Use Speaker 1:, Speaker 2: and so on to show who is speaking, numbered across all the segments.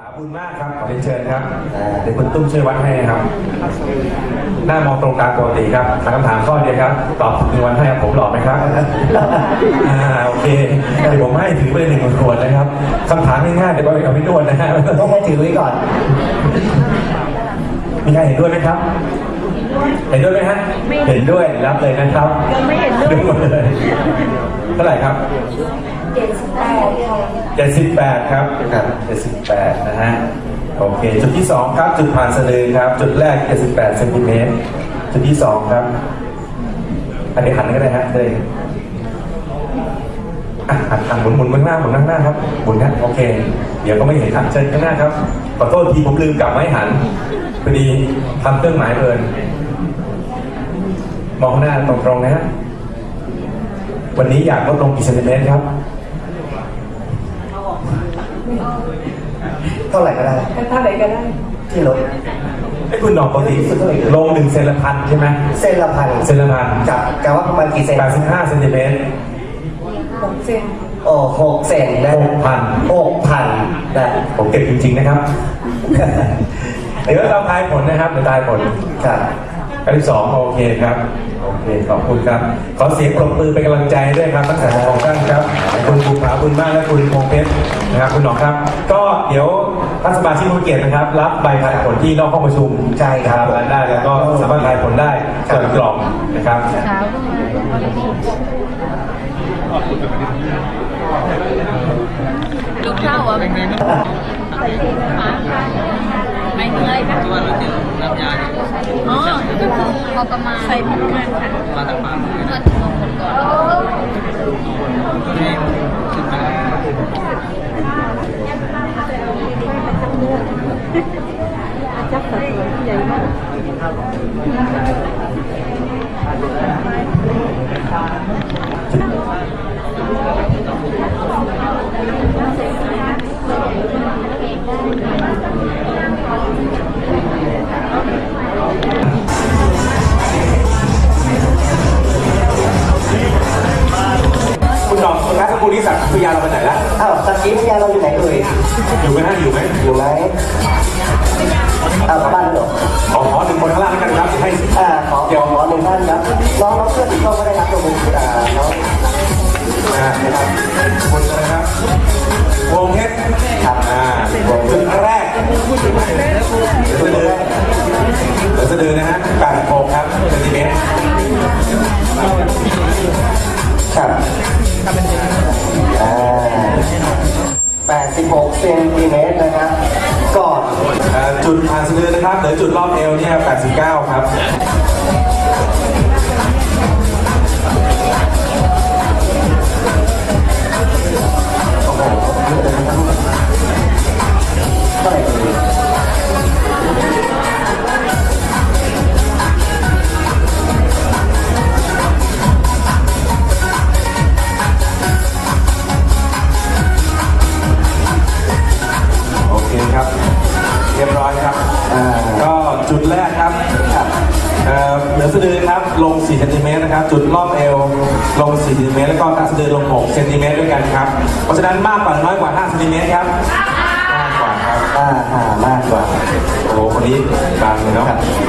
Speaker 1: ขอบคุณมากครับขอเรียนเชิญครับเดี๋ยวคุณตุ้มช่วยวัดให้นะครับหน้ามองตรงกลางปกติครับถามคำถามข้อเดียวครับตอบถูกวันให้ครับผมหล่อไหมครับโอเคเดี๋ยวผมให้ถือไป1 ขวดนะครับคำถามง่ายๆเดี๋ยวไปเอาไปนวดนะฮะ
Speaker 2: ต้องให้ถือไว้ก่อน
Speaker 1: มีใครเห็นด้วยไหมครับเห็นด้วยไหมฮะเห็นด้วยรับเลยนะครับ
Speaker 3: ไม่เห็นด้วย
Speaker 1: หมดเลยเท่าไหร่ครับ78ครับ78นะฮะโอเคจุดที่2ครับจุดผ่านสะดือครับจุดแรก78 เซนติเมตรจุดที่2ครับอันนี้หันก็ได้ฮะเลยหันหมุนข้างหน้าหมุนข้างหน้าครับหมุนนะโอเคเดี๋ยวก็ไม่เห็นหันเชิญข้างหน้าครับขอโทษทีผมลืมกลับไม่หันพอดีทำเครื่องหมายเพลินมองหน้าตรงๆนะฮะวันนี้อยากลดลงกี่เซนติเมตรครับ
Speaker 2: เท่าไหร่ก็ได้ที่ลด
Speaker 1: ไอ้คุณดอกปกติลง1 เซนละพันใช่ไหม
Speaker 2: เส้นละพันจับกะว่าประมาณกี่เซน
Speaker 1: 85 เซนติเมตร
Speaker 3: 6 เซน
Speaker 2: โอ้6 เซนนะ6,000นะ
Speaker 1: ผมเก็บจริงๆนะครับเดี๋ยวเราทายผลนะครับเดี๋ยวทายผล
Speaker 2: ครับ
Speaker 1: อันที่2โอเคครับโอเคขอบคุณครับขอเสียงปรบมือเป็นกำลังใจด้วยครับทั้ง2ท่านครับคุณภูผาบุญมากและคุณพงเพชรนะครับคุณหนอครับก็เดี๋ยวท่านสมาชิกผู้เกียรตินะครับรับใบทายผลที่นอกห้องประชุม
Speaker 2: ใช่ครับ
Speaker 1: ได้แล้วก็สามารถทายผลได้ส่วนกล่องนะครับ
Speaker 3: ลูกเข้าอ่ะไม่เหนื่อยค่ะ
Speaker 4: ที่ว่าเราเจอน้ำยาเนี่ย
Speaker 3: อ๋อก็คือพอประมาณใส่พอประมาณค่ะ
Speaker 4: มาจากปาก
Speaker 3: มาถึงลงผลก่อน
Speaker 4: ตัวนี้ขึ้นมา
Speaker 3: จับสัดส่วนใหญ่มาก
Speaker 1: คุณหนอครับคุณนิสักพยาเราไปไหนละ
Speaker 2: สักขีพยานเราอยู่ไหนเอ่ย
Speaker 1: อยู่ไหมฮะอยู่ไหม
Speaker 2: บ้านเหรอ
Speaker 1: ขอ1 คนข้างล่างกันครับให้
Speaker 2: ขอ1 ท่านครับน้องเพื่อนอีกคนก็ได้รับตัวมือน้อง
Speaker 1: นะครับคนนะครับวงเพชร
Speaker 2: ครับ
Speaker 1: จุดแรกสะดือนะฮะ86ครับเซนติเมตร
Speaker 2: ครับ86 เซนติเมตรนะครับก่อน
Speaker 1: จุดผ่านสะดือนะครับหรือจุดรอบเอวเนี่ย89ครับโอเคครับเรียบร้อยครับก็จุดแรกครับเหนือสะดือครับลง4 เซนติเมตรนะครับจุดรอบเอวลง4 เซนติเมตรแล้วก็ใต้สะดือลง6 เซนติเมตรด้วยกันครับเพราะฉะนั้นมากกว่าน้อยกว่า5 เซนติเมตรครับมากกว่าครับ
Speaker 2: มากกว่า
Speaker 1: โอ้คนนี้บางเลยเนาะ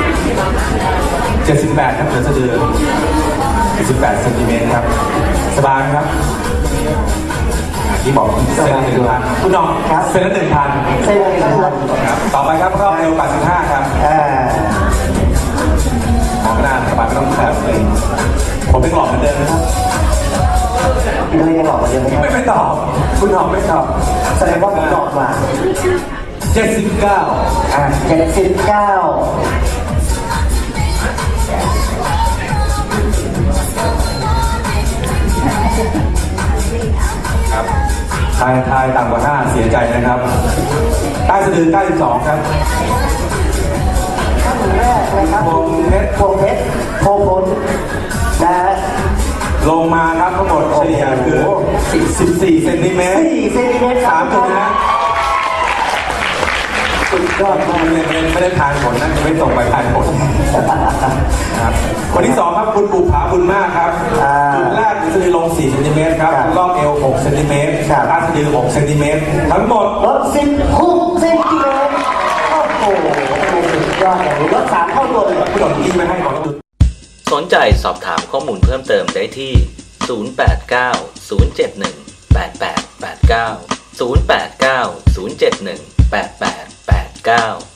Speaker 1: 78ครับเหนือสะดือ78 เซนติเมตรครับสบายครับที่บอกเซนละ1,000คุณน้องเซนละ1,000ครับต่อไปครับรอบเอว85ครับมองหน้าสบายไม่ต้องแคบเลยผมเป็นหลอกเหมือนเดิมนะครับ
Speaker 2: พี่ก็เลยยังหลอกเหมือนเดิมไหม
Speaker 1: ไม่ตอบคุณหลอกไม่ตอบ
Speaker 2: แสดงว่าผมหลอกมา
Speaker 1: 79 ครับทายต่ำกว่า5เสียใจนะครับใต้สะดือ92ครับ
Speaker 2: แรกเลยครับพงเพชรพงพลนะ
Speaker 1: ลงมาครับทั้งหมดเฉลี่ยคือ14 เซนติเมตร
Speaker 2: 4 เซนติเมตร
Speaker 1: 3 จุดนะสุดยอดมากเลยไม่ได้ทายผลนะไม่ส่งไปทายผลครับวันที่2ครับคุณภูผาบุญมากครับจุดแรกสะดือลง4 เซนติเมตรครับรอบเอว6 เซนติเมตรใต้สะดือ6 เซนติเมตรทั้งหมด
Speaker 2: 16 เซนติยอดเลยลด3เท่าตัวเลย
Speaker 1: ผู้หลงที่ไม่ให้ของจุด
Speaker 5: สนใจสอบถามข้อมูลเพิ่มเติมได้ที่ 089 071 8889 089 071 8889